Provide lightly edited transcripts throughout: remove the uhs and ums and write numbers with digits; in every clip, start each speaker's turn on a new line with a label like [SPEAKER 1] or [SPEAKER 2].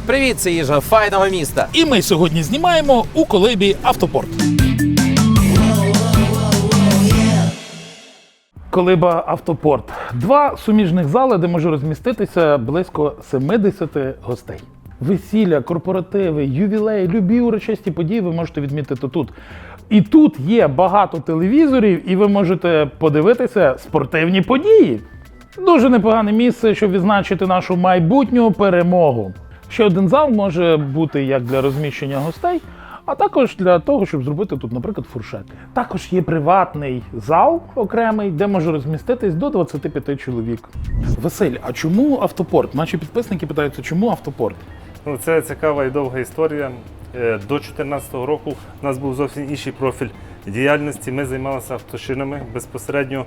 [SPEAKER 1] Привіт, це їжа файного міста.
[SPEAKER 2] І ми сьогодні знімаємо у колибі «Автопорт». Колиба «Автопорт». Два суміжних зали, де може розміститися близько 70 гостей. Весілля, корпоративи, ювілеї, любі урочисті події ви можете відмітити тут. І тут є багато телевізорів, і ви можете подивитися спортивні події. Дуже непогане місце, щоб відзначити нашу майбутню перемогу. Ще один зал може бути як для розміщення гостей, а також для того, щоб зробити тут, наприклад, фуршет. Також є приватний зал окремий, де може розміститись до 25 чоловік. Василь, а чому «Автопорт»? Наші підписники питаються, чому «Автопорт»?
[SPEAKER 3] Це цікава і довга історія. До 2014 року у нас був зовсім інший профіль діяльності. Ми займалися автошинами, безпосередньо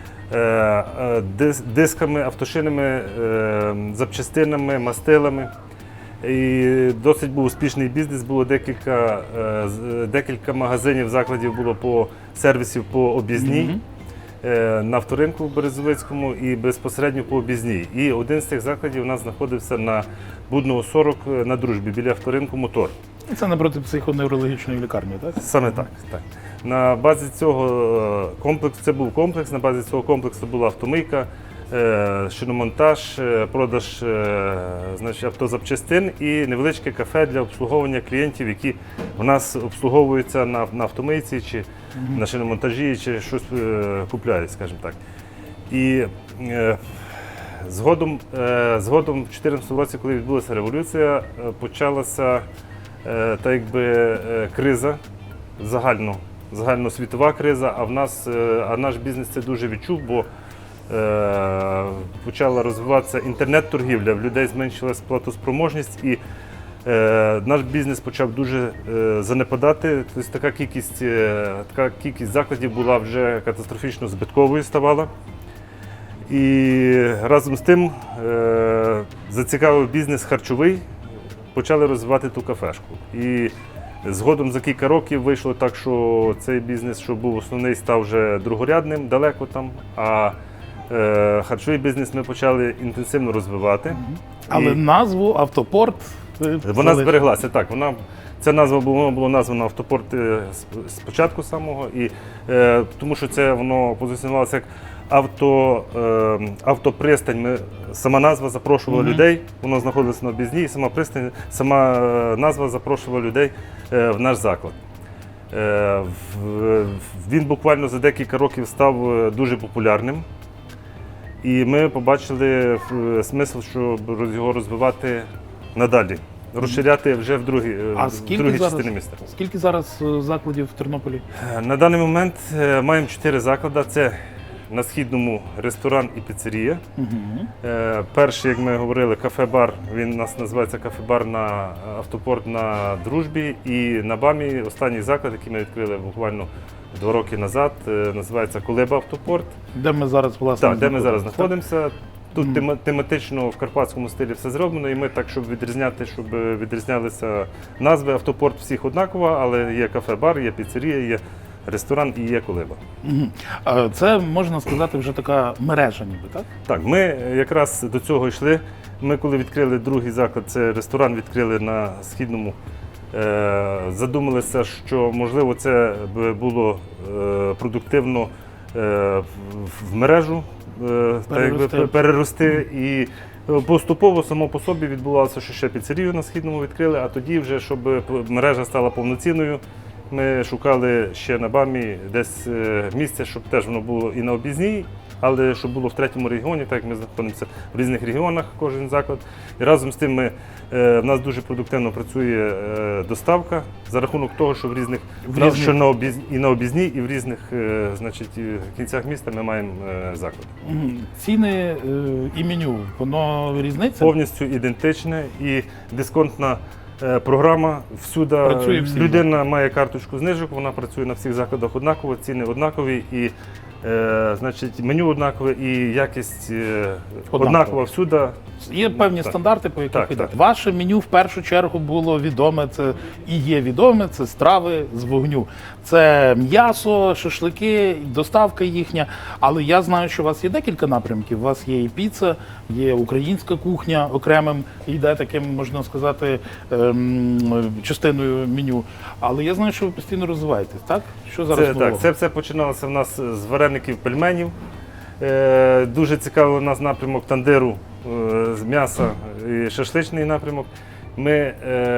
[SPEAKER 3] дисками, автошинами, запчастинами, мастилами. І досить був успішний бізнес, було декілька магазинів, закладів було по сервісів по об'їзній, на авторинку в Березовицькому і безпосередньо по об'їзній. І один з цих закладів у нас знаходився на Будного 40 на Дружбі, біля авторинку «Мотор».
[SPEAKER 2] Це напроти психоневрологічної лікарні, так?
[SPEAKER 3] Саме так, так. На базі цього комплексу, це був комплекс, на базі цього комплексу була автомийка, шиномонтаж, продаж автозапчастин і невеличке кафе для обслуговування клієнтів, які в нас обслуговуються на автомийці, чи на шиномонтажі, чи щось купляють, скажімо так. І згодом в 2014 році, коли відбулася революція, почалася криза, загальносвітова криза, а наш бізнес це дуже відчув, бо почала розвиватися інтернет-торгівля, в людей зменшилась платоспроможність і наш бізнес почав дуже занепадати. Тобто така кількість закладів була вже катастрофічно збитковою ставала. І разом з тим зацікавив бізнес харчовий, почали розвивати ту кафешку. І згодом за кілька років вийшло так, що цей бізнес, що був основний, став вже другорядним, далеко там, а харчовий бізнес ми почали інтенсивно розвивати.
[SPEAKER 2] Але назву «Автопорт»
[SPEAKER 3] вона збереглася, так. Ця назва була названа «Автопорт» спочатку самого, і тому що це воно позиціонувалося як автопристань. Сама назва запрошувала людей, воно знаходилося на об'їзній, сама назва запрошувала людей в наш заклад. Він буквально за декілька років став дуже популярним. І ми побачили смисл, щоб його розвивати надалі, розширяти вже в другій частині міста.
[SPEAKER 2] Скільки зараз закладів в Тернополі?
[SPEAKER 3] На даний момент маємо 4 заклади. Це на Східному ресторан і піцерія. Перший, як ми говорили, кафе-бар, він у нас називається кафе-бар на «Автопорт» на Дружбі. І на БАМі останній заклад, який ми відкрили буквально 2 роки назад, називається «Колиба «Автопорт».
[SPEAKER 2] Де ми зараз, власне,
[SPEAKER 3] так, де ми зараз знаходимося. Тут тематично в карпатському стилі все зроблено, і ми так, щоб відрізнялися назви. «Автопорт» всіх однакова, але є кафе-бар, є піцерія, є ресторан і є колиба.
[SPEAKER 2] Це, можна сказати, вже така мережа ніби, так?
[SPEAKER 3] Так, ми якраз до цього йшли. Ми коли відкрили другий заклад, це ресторан відкрили на Східному, задумалися, що можливо це було продуктивно в мережу перерости. І поступово само по собі відбувалося, що ще піцерію на Східному відкрили, а тоді вже, щоб мережа стала повноцінною, ми шукали ще на БАМі десь місце, щоб теж воно було і на об'їзній, але щоб було в третьому регіоні, так як ми знаходимося в різних регіонах, кожен заклад. І разом з тим в нас дуже продуктивно працює доставка за рахунок того, що що на об'їзній і в різних кінцях міста ми маємо заклад.
[SPEAKER 2] Ціни і меню, воно різниця?
[SPEAKER 3] Повністю ідентичне і дисконтна програма. Всюди людина має карточку знижок, вона працює на всіх закладах однаково, ціни однакові, і меню однакове, і якість однакова всюди.
[SPEAKER 2] Є певні стандарти, по яких
[SPEAKER 3] Так,
[SPEAKER 2] йде.
[SPEAKER 3] так.
[SPEAKER 2] Ваше меню в першу чергу було відоме, це і є відоме, це страви з вогню. Це м'ясо, шашлики, доставка їхня. Але я знаю, що у вас є декілька напрямків. У вас є і піца, є українська кухня окремим, йде таким, можна сказати, частиною меню. Але я знаю, що ви постійно розвиваєтесь, так? Що зараз
[SPEAKER 3] Це,
[SPEAKER 2] нового?
[SPEAKER 3] так, це все починалося в нас з вареників пельменів. Дуже цікавий у нас напрямок тандиру з м'яса і шашличний напрямок. Ми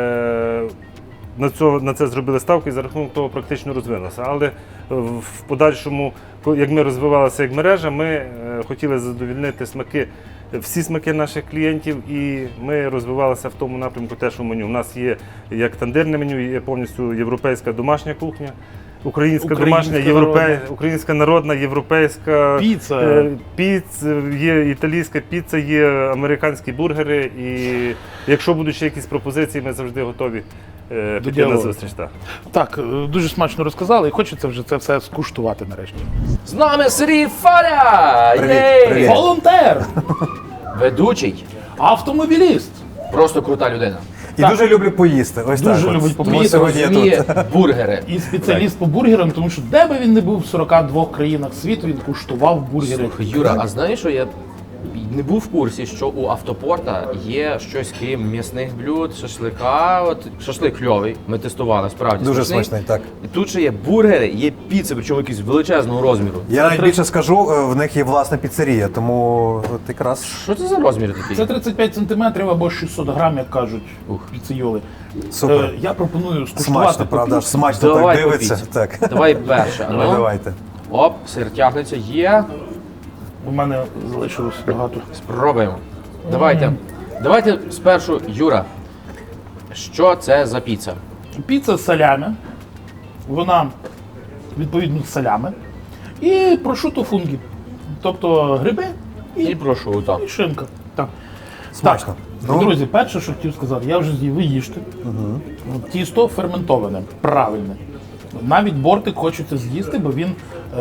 [SPEAKER 3] на це зробили ставку і за рахунок того практично розвинулося. Але в подальшому, як ми розвивалися як мережа, ми хотіли задовольнити всі смаки наших клієнтів, і ми розвивалися в тому напрямку теж у меню. У нас є як тандирне меню, є повністю європейська домашня кухня. Українська домашня, українська народна, європейська
[SPEAKER 2] піца.
[SPEAKER 3] Є італійська піца, є американські бургери. І якщо будуть ще якісь пропозиції, ми завжди готові піти на зустріч.
[SPEAKER 2] Так, дуже смачно розказали, і хочеться вже це все скуштувати нарешті.
[SPEAKER 1] З нами Сергій Фаля!
[SPEAKER 4] Привіт.
[SPEAKER 2] Волонтер!
[SPEAKER 1] Ведучий.
[SPEAKER 2] Автомобіліст!
[SPEAKER 1] Просто крута людина.
[SPEAKER 4] І дуже люблю поїсти. Ось
[SPEAKER 2] Дуже
[SPEAKER 4] так.
[SPEAKER 2] любить
[SPEAKER 4] Тому
[SPEAKER 2] поїсти,
[SPEAKER 4] сьогодні я
[SPEAKER 1] Розуміє
[SPEAKER 4] тут.
[SPEAKER 1] бургери.
[SPEAKER 2] І спеціаліст по бургерам, тому що де би він не був в 42 країнах світу, він куштував бургери.
[SPEAKER 1] Слухай, Юра, а знаєш, що я не був в курсі, що у автопорта є щось крім м'ясних блюд, шашлика. От шашлик кльовий, ми тестували, справді
[SPEAKER 4] Дуже смачний, так.
[SPEAKER 1] І тут ще є бургери, є піци, причому якісь величезного розміру.
[SPEAKER 4] Я навіть більше скажу, в них є власна піцерія, тому от якраз
[SPEAKER 1] Що це за розміри такі?
[SPEAKER 2] Це 35 сантиметрів або 600 грам, як кажуть
[SPEAKER 1] Ух.
[SPEAKER 2] піцейоли.
[SPEAKER 4] супер.
[SPEAKER 2] Я пропоную скуштувати.
[SPEAKER 4] Смачно, правда, аж смачно
[SPEAKER 1] Давай
[SPEAKER 4] так дивиться.
[SPEAKER 1] по піці.
[SPEAKER 4] Так.
[SPEAKER 1] Давай перше.
[SPEAKER 4] Ну, давайте.
[SPEAKER 1] Оп, сир тягнеться, є.
[SPEAKER 2] У мене залишилось багато.
[SPEAKER 1] Спробуємо. Давайте спершу, Юра, що це за піца?
[SPEAKER 2] Піца з салями. Вона відповідно з салями. І прошуто фунгі. Тобто гриби
[SPEAKER 1] І прошу, так.
[SPEAKER 2] і шинка. Так.
[SPEAKER 4] Смачно.
[SPEAKER 2] Так,
[SPEAKER 4] Ну.
[SPEAKER 2] друзі, перше, що хотів сказати, я вже з'їв, ви їжте. Тісто ферментоване, правильне. Навіть бортик хочеться з'їсти, бо він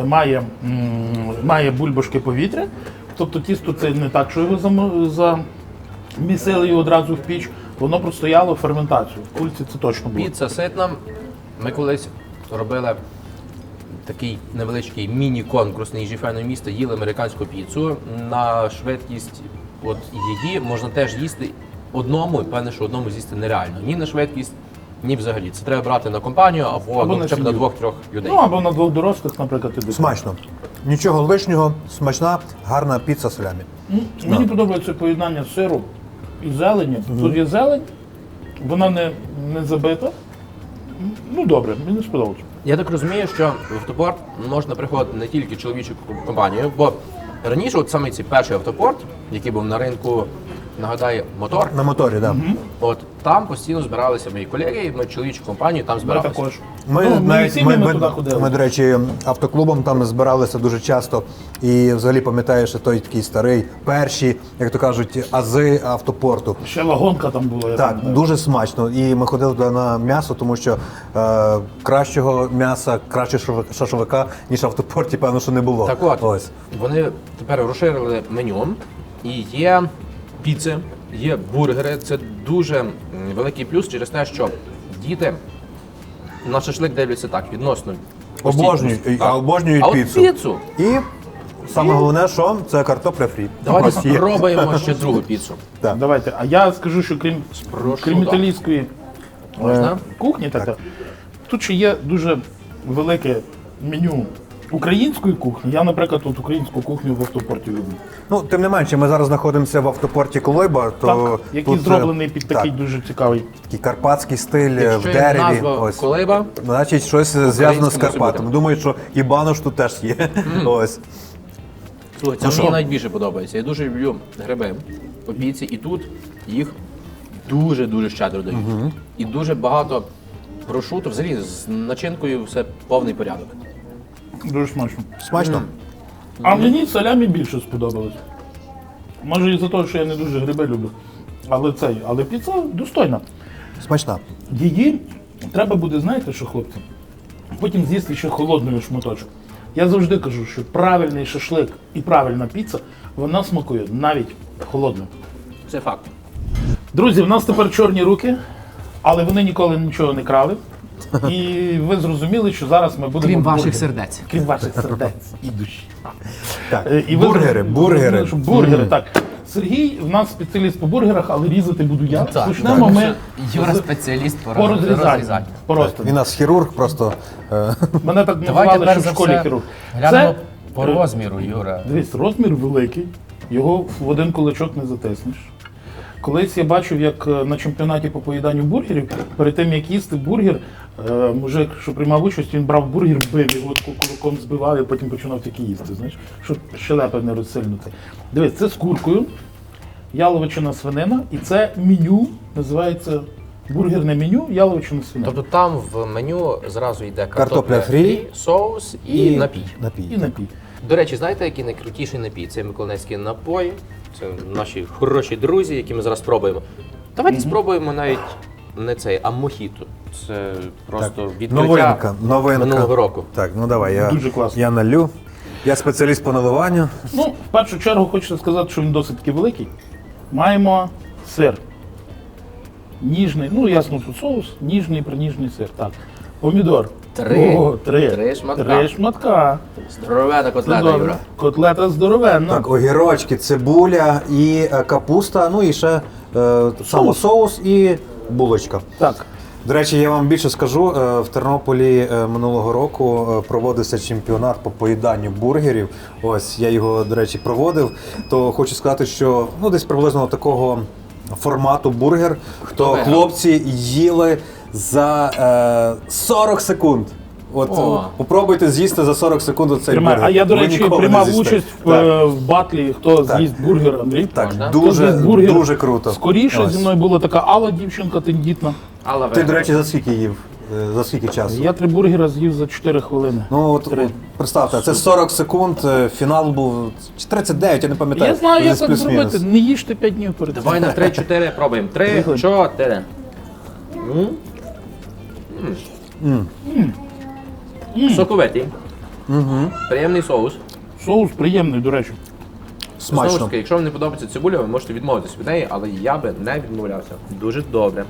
[SPEAKER 2] має бульбашки повітря. Тобто тісто це не так, що його замісили і одразу в піч. Воно простояло ферментацію. В кульці це точно було.
[SPEAKER 1] Піца ситна. Ми колись робили такий невеличкий міні-конкурс на їжі файного міста, їли американську піцу. На швидкість от її можна теж їсти одному, і певне, що одному з'їсти нереально. Ні на швидкість, ні взагалі. Це треба брати на компанію або
[SPEAKER 2] на
[SPEAKER 1] хоча б на
[SPEAKER 2] сім'ю.
[SPEAKER 1] 2-3 людей.
[SPEAKER 2] Ну або на двох дорослих, наприклад, і дитина.
[SPEAKER 4] Смачно. Нічого лишнього, смачна, гарна піца з солями.
[SPEAKER 2] Мені подобається поєднання сиру і зелені. Тут є зелень, вона не забита. Ну добре, мені сподобалося.
[SPEAKER 1] Я так розумію, що в автопорт можна приходити не тільки чоловічу компанію, бо раніше, от саме цей перший автопорт, який був на ринку, нагадаю, мотор,
[SPEAKER 4] На моторі, так. Да.
[SPEAKER 1] от там постійно збиралися мої колеги, ми чоловічу компанію там
[SPEAKER 2] Ми
[SPEAKER 1] збиралися.
[SPEAKER 2] також.
[SPEAKER 4] Ми,
[SPEAKER 2] Ну,
[SPEAKER 4] навіть,
[SPEAKER 2] сім'ями туди ходили.
[SPEAKER 4] ми, до речі, автоклубом там збиралися дуже часто. І взагалі пам'ятаєш, що той такий старий, перші, як то кажуть, ази автопорту.
[SPEAKER 2] Ще вагонка там була. Я
[SPEAKER 4] Так,
[SPEAKER 2] пам'ятаю.
[SPEAKER 4] дуже смачно. І ми ходили туди на м'ясо, тому що кращого м'яса, кращого шашлика, ніж в автопорті, певно, що не було.
[SPEAKER 1] Так от,
[SPEAKER 4] Ось.
[SPEAKER 1] вони тепер розширили меню, і є піци, є бургери. Це дуже великий плюс через те, що діти на шашлик дивляться так, відносно.
[SPEAKER 4] Обожнюють,
[SPEAKER 1] Так.
[SPEAKER 4] а обожнюють
[SPEAKER 1] А от
[SPEAKER 4] піцу.
[SPEAKER 1] піцу.
[SPEAKER 4] І саме головне, що це картопля фрі.
[SPEAKER 1] Давайте
[SPEAKER 4] Ось є.
[SPEAKER 1] спробуємо ще другу піцу.
[SPEAKER 4] Так.
[SPEAKER 2] Давайте. А я скажу, що крім
[SPEAKER 1] так.
[SPEAKER 2] італійської
[SPEAKER 1] Можна?
[SPEAKER 2] кухні, тут ще є дуже велике меню української кухні. Я, наприклад, тут українську кухню в автопорті люблю.
[SPEAKER 4] Ну, тим не менше, ми зараз знаходимося в автопорті Колиба, то
[SPEAKER 2] Так, який
[SPEAKER 4] тут,
[SPEAKER 2] зроблений під такий
[SPEAKER 4] так,
[SPEAKER 2] дуже цікавий.
[SPEAKER 4] такий карпатський стиль в
[SPEAKER 1] Якщо є
[SPEAKER 4] дереві.
[SPEAKER 1] назва
[SPEAKER 4] Ось.
[SPEAKER 1] Колиба,
[SPEAKER 4] Значить, щось зв'язано з
[SPEAKER 1] може
[SPEAKER 4] Карпатами.
[SPEAKER 1] бути.
[SPEAKER 4] Думаю, що і банош тут теж є. Ось.
[SPEAKER 1] слухай, це мені навіть більше подобається. Я дуже люблю гриби по піці, і тут їх дуже-дуже щедро дають. І дуже багато прошуту, взагалі з начинкою все повний порядок.
[SPEAKER 2] Дуже смачно.
[SPEAKER 4] Смачно.
[SPEAKER 2] А мені салямі більше сподобалось. Може і за те, що я не дуже гриби люблю. Але піца достойна.
[SPEAKER 4] Смачна.
[SPEAKER 2] Її треба буде, знаєте що, хлопці? Потім з'їсти ще холодною шматочок. Я завжди кажу, що правильний шашлик і правильна піца, вона смакує навіть холодною.
[SPEAKER 1] Це факт.
[SPEAKER 2] Друзі, в нас тепер чорні руки, але вони ніколи нічого не крали. І ви зрозуміли, що зараз ми будемо...
[SPEAKER 1] Крім ваших
[SPEAKER 2] бургери.
[SPEAKER 1] сердець.
[SPEAKER 2] Крім ваших сердець і душі.
[SPEAKER 4] Так,
[SPEAKER 2] І ви
[SPEAKER 4] бургери, бургери.
[SPEAKER 2] що бургери, так. Сергій в нас спеціаліст по бургерах, але різати буду я.
[SPEAKER 1] Так,
[SPEAKER 2] Почнемо ми
[SPEAKER 1] Юра
[SPEAKER 2] з-
[SPEAKER 1] спеціаліст
[SPEAKER 2] по розрізанню. Просто.
[SPEAKER 4] Він у нас хірург, просто
[SPEAKER 2] Мене так
[SPEAKER 1] Давайте
[SPEAKER 2] називали,
[SPEAKER 1] перш
[SPEAKER 2] що
[SPEAKER 1] за
[SPEAKER 2] в школі
[SPEAKER 1] все
[SPEAKER 2] хірург.
[SPEAKER 1] глянемо
[SPEAKER 2] Це,
[SPEAKER 1] по розміру, Юра.
[SPEAKER 2] дивись, розмір великий, його в один кулачок не затиснеш. Колись я бачив, як на чемпіонаті по поїданню бургерів, перед тим як їсти бургер, мужик, що приймав участь, він брав бургер, бив його таку кулаком збивав і потім починав тільки їсти, знаєш, щоб щелепи не розсильнути. Дивись, це з куркою, яловичина свинина, і це меню, називається бургерне меню, яловичина свинина.
[SPEAKER 1] Тобто там в меню зразу йде
[SPEAKER 4] Картопля
[SPEAKER 1] картопля
[SPEAKER 4] фрі,
[SPEAKER 1] соус і напій.
[SPEAKER 2] І напій.
[SPEAKER 1] До речі, знаєте, який найкрутіший напій? Це миколаївські напої. Це наші хороші друзі, які ми зараз спробуємо. Давайте спробуємо навіть не цей, а мохіто. Це просто відкриття
[SPEAKER 4] новинка.
[SPEAKER 1] минулого року.
[SPEAKER 4] Так, ну давай,
[SPEAKER 2] Дуже класно.
[SPEAKER 4] я налю. Я спеціаліст по наливанню.
[SPEAKER 2] Ну, в першу чергу хочеться сказати, що він досить таки великий. Маємо сир. Ніжний, ну ясно, тут соус, ніжний, приніжний сир. Так. Помідор.
[SPEAKER 1] Три.
[SPEAKER 2] О, три.
[SPEAKER 1] Три шматка.
[SPEAKER 2] Три шматка.
[SPEAKER 1] Здоровена
[SPEAKER 2] Це
[SPEAKER 1] котлета,
[SPEAKER 2] добре.
[SPEAKER 1] Юра.
[SPEAKER 2] Котлета здоровенна.
[SPEAKER 4] Так, огірочки, цибуля і капуста, ну і ще само соус і булочка.
[SPEAKER 2] Так.
[SPEAKER 4] До речі, я вам більше скажу, в Тернополі минулого року проводився чемпіонат по поїданню бургерів. Ось я його, до речі, проводив. То хочу сказати, що ну десь приблизно такого формату бургер, то
[SPEAKER 1] виграв?
[SPEAKER 4] хлопці їли за 40 секунд. От
[SPEAKER 1] О.
[SPEAKER 4] попробуйте з'їсти за 40 секунд цей
[SPEAKER 2] Тримай.
[SPEAKER 4] бургер.
[SPEAKER 2] А я, до
[SPEAKER 4] Ви
[SPEAKER 2] речі,
[SPEAKER 4] ніколи не
[SPEAKER 2] приймав
[SPEAKER 4] з'їсте.
[SPEAKER 2] участь
[SPEAKER 4] Так.
[SPEAKER 2] в батлі, хто
[SPEAKER 4] Так.
[SPEAKER 2] з'їсть бургер, Андрій.
[SPEAKER 4] Так,
[SPEAKER 1] Можна?
[SPEAKER 2] Хто
[SPEAKER 4] дуже,
[SPEAKER 2] з'їсть бургер
[SPEAKER 4] дуже круто.
[SPEAKER 2] Скоріше
[SPEAKER 4] Ось.
[SPEAKER 2] зі мною була така Алла, дівчинка тендітна.
[SPEAKER 1] Але
[SPEAKER 4] Ти, до речі, за скільки їв? За скільки часу?
[SPEAKER 2] Я 3 бургера з'їв за 4 хвилини.
[SPEAKER 4] Ну от,
[SPEAKER 2] Три.
[SPEAKER 4] от представте, це 40 секунд, фінал був чи 39, я не пам'ятаю.
[SPEAKER 2] Я знаю, як
[SPEAKER 4] Десь
[SPEAKER 2] так
[SPEAKER 4] плюс-мінус.
[SPEAKER 2] зробити. Не їжте 5 днів перед цим.
[SPEAKER 1] давай на 3-4 пробуємо. 3-4. Соковитий. Приємний соус.
[SPEAKER 2] Соус приємний, до речі.
[SPEAKER 1] Знову ж
[SPEAKER 4] Смачно.
[SPEAKER 1] таки, якщо вам не подобається цибуля, ви можете відмовитися від неї, але я би не відмовлявся. Дуже добре.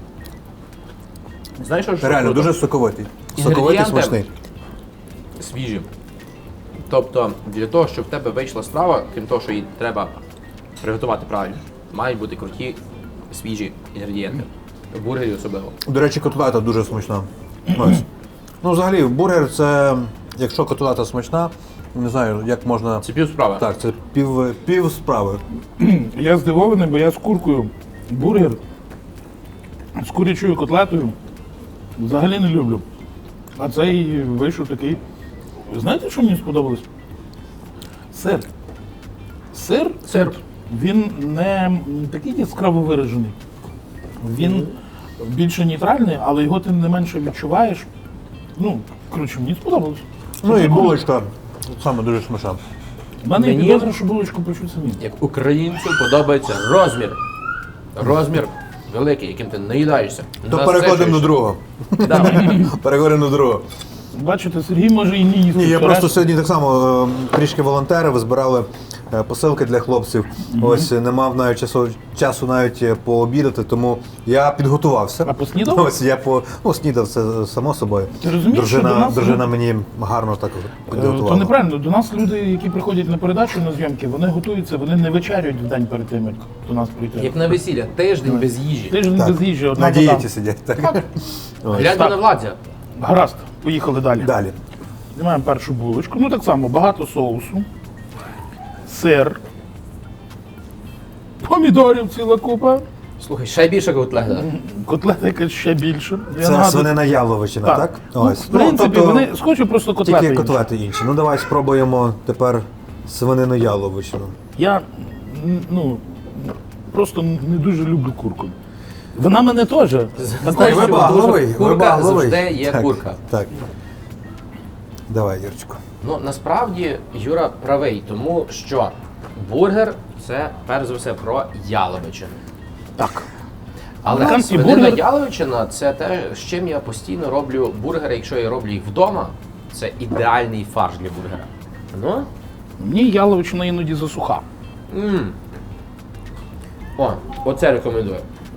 [SPEAKER 1] Знаєш, що
[SPEAKER 4] Реально,
[SPEAKER 1] круто?
[SPEAKER 4] дуже соковитий. Соковитий,
[SPEAKER 1] Інгредієнти
[SPEAKER 4] смачний.
[SPEAKER 1] свіжі. Тобто, для того, щоб в тебе вийшла страва, крім того, що її треба приготувати правильно, мають бути круті, свіжі інгредієнти. В бургері особливо.
[SPEAKER 4] До речі, котлета дуже смачна. Ось. Ну, взагалі, бургер це, якщо котлета смачна, не знаю, як можна.
[SPEAKER 1] Це пів справи.
[SPEAKER 4] Так, це пів справи.
[SPEAKER 2] Я здивований, бо я з куркою бургер з курячою котлетою взагалі не люблю. А цей вийшов такий. Знаєте, що мені сподобалось? Сир. Сир, він не такий яскраво виражений. Він більше нейтральний, але його тим не менше відчуваєш. Ну, коротше, мені сподобалось.
[SPEAKER 4] Ну і булочка саме дуже смачна.
[SPEAKER 2] У мене є
[SPEAKER 1] Мені-
[SPEAKER 2] підозра, що булочку печуть самі.
[SPEAKER 1] Як українцю подобається розмір. Розмір великий, яким ти наїдаєшся.
[SPEAKER 4] То переходимо до другого.
[SPEAKER 1] Да.
[SPEAKER 4] Переходимо до другого.
[SPEAKER 2] Бачите, Сергій може і не їсти.
[SPEAKER 4] Ні, я
[SPEAKER 2] все
[SPEAKER 4] просто
[SPEAKER 2] решта.
[SPEAKER 4] сьогодні так само трішки волонтерів, збирали посилки для хлопців. Ось не мав навіть часу навіть пообідати, тому я підготувався.
[SPEAKER 2] А поснідав?
[SPEAKER 4] Ось я снідав це само собою.
[SPEAKER 2] Ти розумієш, що до нас-
[SPEAKER 4] дружина мені гарно так
[SPEAKER 2] То
[SPEAKER 4] підготувала.
[SPEAKER 2] неправильно. До нас люди, які приходять на передачу на зйомки, вони готуються, вони не вечеряють в день перед тим, як до нас прийти.
[SPEAKER 1] Як на весілля, тиждень без їжі.
[SPEAKER 2] Тиждень
[SPEAKER 4] Так.
[SPEAKER 2] без їжі, одна
[SPEAKER 4] На
[SPEAKER 2] вода.
[SPEAKER 4] дієті сидять. Так. Ось.
[SPEAKER 1] Гляньте на Владзя.
[SPEAKER 2] Гаразд, поїхали далі.
[SPEAKER 4] Далі.
[SPEAKER 2] Знімаємо першу булочку. Ну так само, багато соусу, сир, помідорів ціла купа,
[SPEAKER 1] Слухай, ще більше котлета.
[SPEAKER 2] котлета якась ще більше. Я
[SPEAKER 4] Це
[SPEAKER 2] нагадую-
[SPEAKER 4] свинина яловичина, так?
[SPEAKER 2] Ну, в принципі, вони схожі, просто котлети.
[SPEAKER 4] тільки
[SPEAKER 2] інші.
[SPEAKER 4] котлети інші. Ну давай спробуємо тепер свинину яловичину.
[SPEAKER 2] Я ну, просто не дуже люблю курку. Вона мене теж.
[SPEAKER 1] Знаєш,
[SPEAKER 4] Ви
[SPEAKER 1] що
[SPEAKER 4] багловий,
[SPEAKER 1] дуже-
[SPEAKER 4] ви
[SPEAKER 1] Курка
[SPEAKER 4] багловий.
[SPEAKER 1] завжди є
[SPEAKER 4] Так,
[SPEAKER 1] курка.
[SPEAKER 4] Так. Давай, Юрчику.
[SPEAKER 1] Ну, насправді Юра правий, тому що бургер це перш за все про яловичину.
[SPEAKER 2] Так.
[SPEAKER 1] Але
[SPEAKER 2] Американський
[SPEAKER 1] свинина
[SPEAKER 2] бургер-
[SPEAKER 1] яловичина це те, з чим я постійно роблю бургери, якщо я роблю їх вдома, це ідеальний фарш для бургера. Ну?
[SPEAKER 2] Мені яловичина іноді засуха.
[SPEAKER 1] О, оце рекомендую.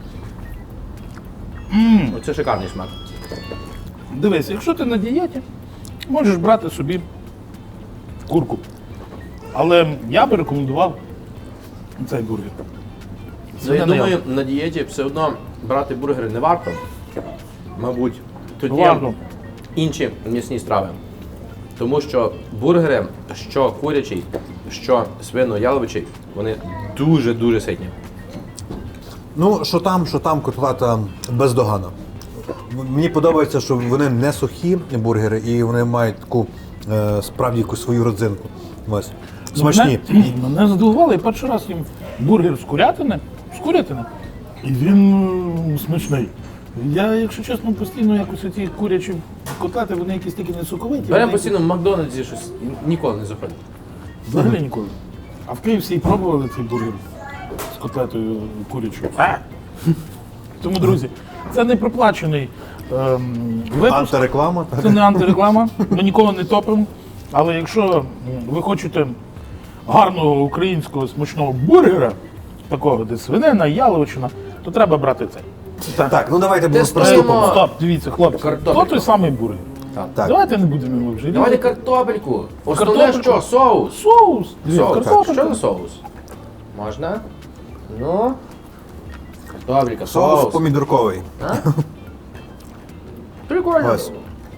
[SPEAKER 1] Оце шикарний смак.
[SPEAKER 2] Дивись, якщо ти на дієті, можеш брати собі курку. Але я би рекомендував цей бургер.
[SPEAKER 1] Ну, я
[SPEAKER 2] Свинина
[SPEAKER 1] думаю, на дієті все одно брати бургери не варто. Мабуть, тут є
[SPEAKER 2] Варто.
[SPEAKER 1] інші м'ясні страви. Тому що бургери, що курячий, що свино-яловичий, вони дуже-дуже ситні.
[SPEAKER 4] Ну, що там котлета бездоганна. Мені подобається, що вони не сухі бургери, і вони мають таку справді якусь свою родзинку. Ось. Смачні.
[SPEAKER 2] Мене здивувало, я перший раз їм бургер з курятини, і він смачний. Я, якщо чесно, постійно якось ці курячі котлети, вони якісь такі не соковиті.
[SPEAKER 1] Беремо
[SPEAKER 2] вони
[SPEAKER 1] постійно в Макдональдсі щось ніколи не заходить.
[SPEAKER 2] взагалі ніколи. А в Київсі пробували цей бургер з котлетою курячою. Тому, друзі, це не проплачений випуск.
[SPEAKER 4] Антиреклама.
[SPEAKER 2] Це не антиреклама, ми нікого не топимо. Але якщо ви хочете гарного українського смачного бургера, такого, де свинина, яловичина, то треба брати цей.
[SPEAKER 4] Так, ну давайте
[SPEAKER 1] Тестуємо.
[SPEAKER 4] приступимо.
[SPEAKER 2] Стоп, дивіться, хлопці,
[SPEAKER 1] Картопельку.
[SPEAKER 2] то той самий бургер.
[SPEAKER 4] Так.
[SPEAKER 2] Давайте не будемо вже.
[SPEAKER 1] Давайте картопельку. Основне
[SPEAKER 2] Картопельку.
[SPEAKER 1] що? Соус.
[SPEAKER 2] Соус.
[SPEAKER 1] Соус.
[SPEAKER 2] Картопелька.
[SPEAKER 1] Що за соус? Можна? Ну. Картопелька,
[SPEAKER 4] Соус
[SPEAKER 1] соус.
[SPEAKER 4] помідорковий.
[SPEAKER 1] Прикольно.
[SPEAKER 4] Ось.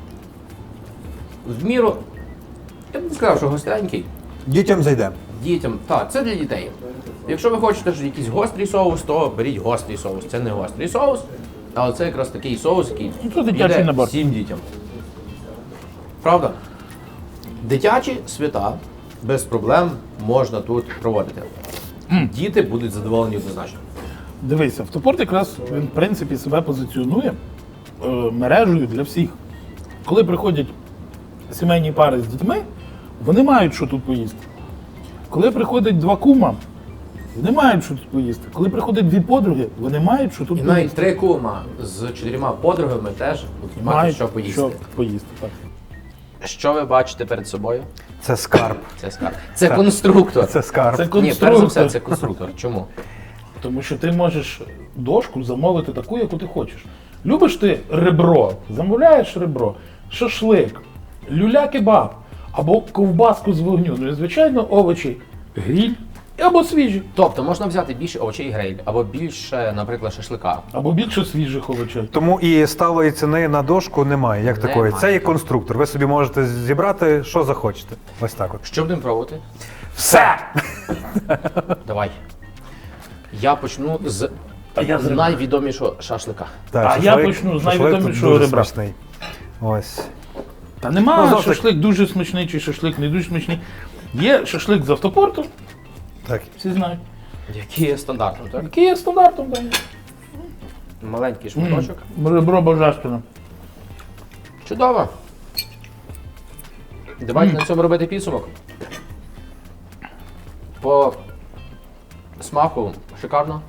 [SPEAKER 1] В міру. Я б не сказав, що гостренький.
[SPEAKER 4] Дітям зайде.
[SPEAKER 1] Дітям. Так, це для дітей. Якщо ви хочете ж якийсь гострий соус, то беріть гострий соус. Це не гострий соус, але це якраз такий соус, який
[SPEAKER 2] Ну, це дитячий
[SPEAKER 1] йде
[SPEAKER 2] набор.
[SPEAKER 1] всім дітям. Правда? Дитячі свята без проблем можна тут проводити. Діти будуть задоволені однозначно.
[SPEAKER 2] Дивись, автопорт якраз він в принципі себе позиціонує мережею для всіх. Коли приходять сімейні пари з дітьми, вони мають що тут поїсти. Коли приходять два кума, вони мають що тут поїсти. Коли приходять дві подруги, вони мають що тут
[SPEAKER 1] І навіть
[SPEAKER 2] поїсти.
[SPEAKER 1] 3 кума з 4 подругами теж будуть мати
[SPEAKER 2] Мають
[SPEAKER 1] що поїсти.
[SPEAKER 2] Що поїсти. Так.
[SPEAKER 1] Що ви бачите перед собою?
[SPEAKER 4] Це скарб.
[SPEAKER 1] Це скарб. Це конструктор.
[SPEAKER 4] Це скарб.
[SPEAKER 2] Це
[SPEAKER 1] Ні, перш за
[SPEAKER 2] конструктор.
[SPEAKER 1] все, це конструктор. Чому?
[SPEAKER 2] Тому що ти можеш дошку замовити таку, яку ти хочеш. Любиш ти ребро, замовляєш ребро, шашлик, люля-кебаб або ковбаску з вогню. Ну і звичайно овочі, гріль або свіжі,
[SPEAKER 1] Тобто можна взяти більше овочей гриль, або більше, наприклад, шашлика.
[SPEAKER 2] або більше свіжих овочей.
[SPEAKER 4] Тому і сталої ціни на дошку немає, як такої.
[SPEAKER 1] Немає.
[SPEAKER 4] Це є конструктор. Ви собі можете зібрати, що захочете. Ось так от.
[SPEAKER 1] Що будемо пробувати?
[SPEAKER 4] Все!
[SPEAKER 1] Давай. Я почну з
[SPEAKER 2] я з ребра.
[SPEAKER 1] найвідомішого шашлика.
[SPEAKER 4] Так,
[SPEAKER 2] А я почну з
[SPEAKER 4] шашлик
[SPEAKER 2] найвідомішого
[SPEAKER 4] дуже
[SPEAKER 2] ребра.
[SPEAKER 4] смачний. Ось.
[SPEAKER 2] Та нема
[SPEAKER 4] Ну, завжди-
[SPEAKER 2] шашлик дуже смачний чи шашлик не дуже смачний. Є шашлик з автопорту,
[SPEAKER 4] Так.
[SPEAKER 2] всі знають.
[SPEAKER 1] Який є стандартом, так?
[SPEAKER 2] Який є стандартом. Так.
[SPEAKER 1] Маленький шматочок.
[SPEAKER 2] Ребро божественне.
[SPEAKER 1] Чудово. Давайте на цьому робити підсумок. По смаку шикарно.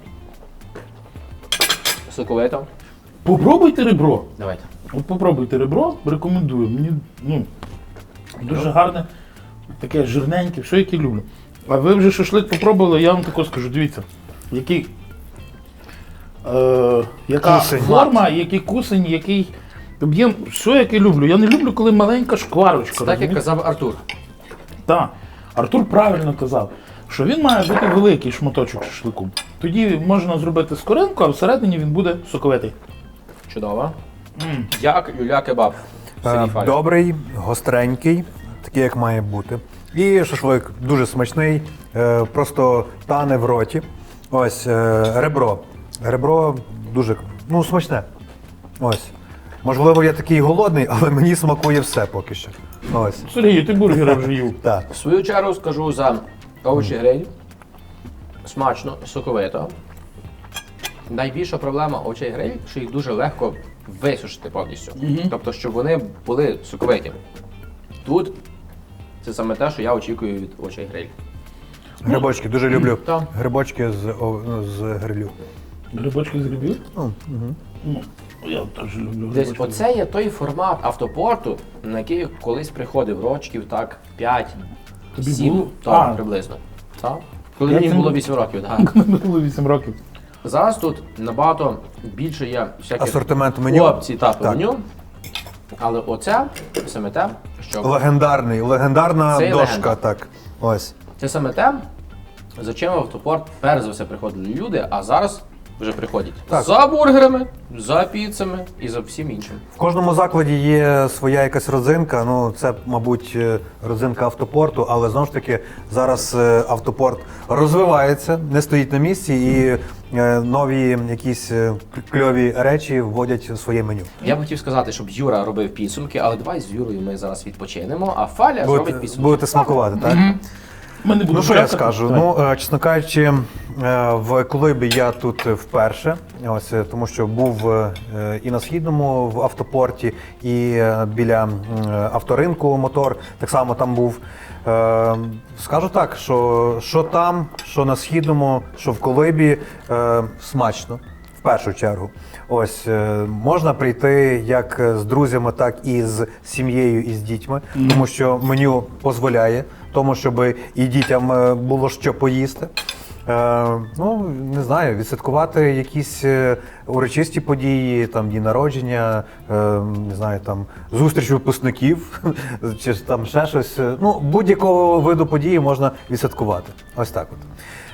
[SPEAKER 1] Соковито.
[SPEAKER 2] Попробуйте ребро.
[SPEAKER 1] Давайте.
[SPEAKER 2] От попробуйте ребро, рекомендую. Мені дуже гарне, таке жирненьке, все яке люблю. А ви вже шашлик попробували, я вам тако скажу, дивіться, яка
[SPEAKER 4] Кусень.
[SPEAKER 2] форма, який кусень, який об'єм, все яке люблю. Я не люблю, коли маленька шкварочка.
[SPEAKER 1] Це так, як
[SPEAKER 2] розумієте?
[SPEAKER 1] казав Артур.
[SPEAKER 2] Так, Артур правильно казав, що він має бути великий шматочок шашлику. Тоді можна зробити скоринку, а всередині він буде соковитий.
[SPEAKER 1] Чудово. Як люля-кебаб. в селі Фарі.
[SPEAKER 4] Добрий, гостренький, такий, як має бути. І шашлик дуже смачний, просто тане в роті. Ось ребро. Ребро дуже смачне. Ось. Можливо, я такий голодний, але мені смакує все поки що. Ось.
[SPEAKER 2] Сергій, ти бургери вже їв.
[SPEAKER 4] Так.
[SPEAKER 1] В свою чергу скажу за овочі гриль. Смачно, соковито. Найбільша проблема овочей гриль, що їх дуже легко висушити повністю. Тобто, щоб вони були соковиті. Тут це саме те, що я очікую від овочей гриль.
[SPEAKER 4] Грибочки, дуже люблю.
[SPEAKER 1] Так.
[SPEAKER 4] Грибочки з грилю.
[SPEAKER 2] Грибочки з грибів? Ну, я теж люблю
[SPEAKER 1] Десь
[SPEAKER 2] грибочки.
[SPEAKER 1] оце є той формат автопорту, на який я колись приходив рочків так 5,
[SPEAKER 2] Тобі
[SPEAKER 1] 7,
[SPEAKER 2] було?
[SPEAKER 1] так,
[SPEAKER 2] А.
[SPEAKER 1] приблизно. Так? Коли
[SPEAKER 2] Як
[SPEAKER 1] мені
[SPEAKER 2] це
[SPEAKER 1] було
[SPEAKER 2] було?
[SPEAKER 1] 8 років, так.
[SPEAKER 2] Мені було 8 років.
[SPEAKER 1] Зараз тут набагато більше є всяких
[SPEAKER 4] Асортимент меню.
[SPEAKER 1] опцій та по
[SPEAKER 4] Так.
[SPEAKER 1] меню. Але оце саме те, що
[SPEAKER 4] Легендарна
[SPEAKER 1] Це
[SPEAKER 4] дошка,
[SPEAKER 1] легенда.
[SPEAKER 4] так. Ось.
[SPEAKER 1] це саме те, за чим в автопорт перш за все приходили люди, а зараз вже приходять
[SPEAKER 4] Так.
[SPEAKER 1] за бургерами, за піцами і за всім іншим.
[SPEAKER 4] В кожному закладі є своя якась родзинка. Ну, це, мабуть, родзинка автопорту, але знову ж таки зараз автопорт розвивається, не стоїть на місці і нові якісь кльові речі вводять в своє меню.
[SPEAKER 1] Я б хотів сказати, щоб Юра робив підсумки, але давай з Юрою ми зараз відпочинемо, а Фаля зробить підсумки.
[SPEAKER 4] Будете смакувати, так?
[SPEAKER 2] Ми не будемо
[SPEAKER 4] Ну що я
[SPEAKER 2] чекати.
[SPEAKER 4] скажу?
[SPEAKER 2] Так.
[SPEAKER 4] Ну, чесно кажучи, в Колибі я тут вперше, ось тому що був і на східному в автопорті, і біля авторинку мотор. Так само там був. Скажу так, що там, що на східному, що в Колибі, смачно. В першу чергу, ось можна прийти як з друзями, так і з сім'єю, і з дітьми, тому що меню дозволяє, тому щоб і дітям було що поїсти. Ну, не знаю, відсвяткувати якісь урочисті події, там дні народження, не знаю, там зустріч випускників, чи там ще щось. Ну, будь-якого виду події можна відсвяткувати. Ось так от.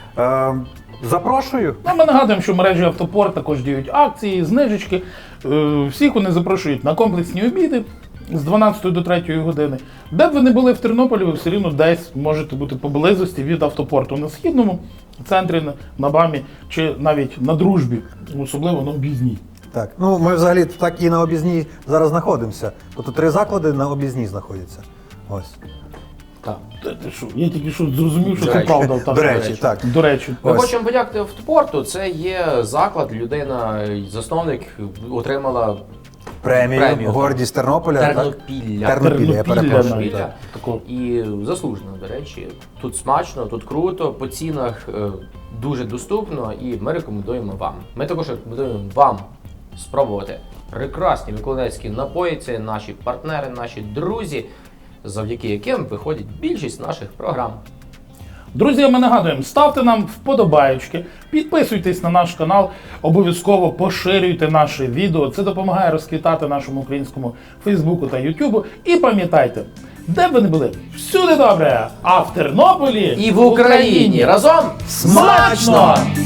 [SPEAKER 4] Запрошую.
[SPEAKER 2] Ну, ми нагадуємо, що в мережі Автопорт також діють акції, знижечки. Всіх вони запрошують на комплексні обіди з 12 до 3 години. Де б ви не були в Тернополі, ви все рівно десь можете бути поблизості від Автопорту на Східному, центрі, на БАМі чи навіть на Дружбі, особливо на Об'їзній.
[SPEAKER 4] Так, ну ми взагалі так і на Об'їзній зараз знаходимося. Тобто 3 заклади на Об'їзній знаходяться. Ось.
[SPEAKER 1] Так.
[SPEAKER 2] Ти що? Я тільки що зрозумів, що
[SPEAKER 1] До
[SPEAKER 2] це
[SPEAKER 1] речі.
[SPEAKER 2] правда. Так.
[SPEAKER 4] До речі, так.
[SPEAKER 2] До речі.
[SPEAKER 1] Ми
[SPEAKER 4] Ось.
[SPEAKER 1] хочемо подякувати автопорту. Це є заклад, людина, засновник отримала
[SPEAKER 4] Премію,
[SPEAKER 1] Премію,
[SPEAKER 4] гордість Тернополя. Так?
[SPEAKER 1] Тернопілля.
[SPEAKER 4] Тернопілля, я перепрошую.
[SPEAKER 2] навіть.
[SPEAKER 1] Тернопілля.
[SPEAKER 2] Такого.
[SPEAKER 1] І заслужено, до речі. Тут смачно, тут круто, по цінах дуже доступно і ми рекомендуємо вам. Ми також рекомендуємо вам спробувати прекрасні миколаївські напої. Це наші партнери, наші друзі, завдяки яким виходить більшість наших програм.
[SPEAKER 2] Друзі, ми нагадуємо, ставте нам вподобаєчки, підписуйтесь на наш канал, обов'язково поширюйте наше відео. Це допомагає розквітати нашому українському Фейсбуку та Ютубу. І пам'ятайте, де б ви не були, всюди добре, а в Тернополі
[SPEAKER 1] І в Україні разом смачно!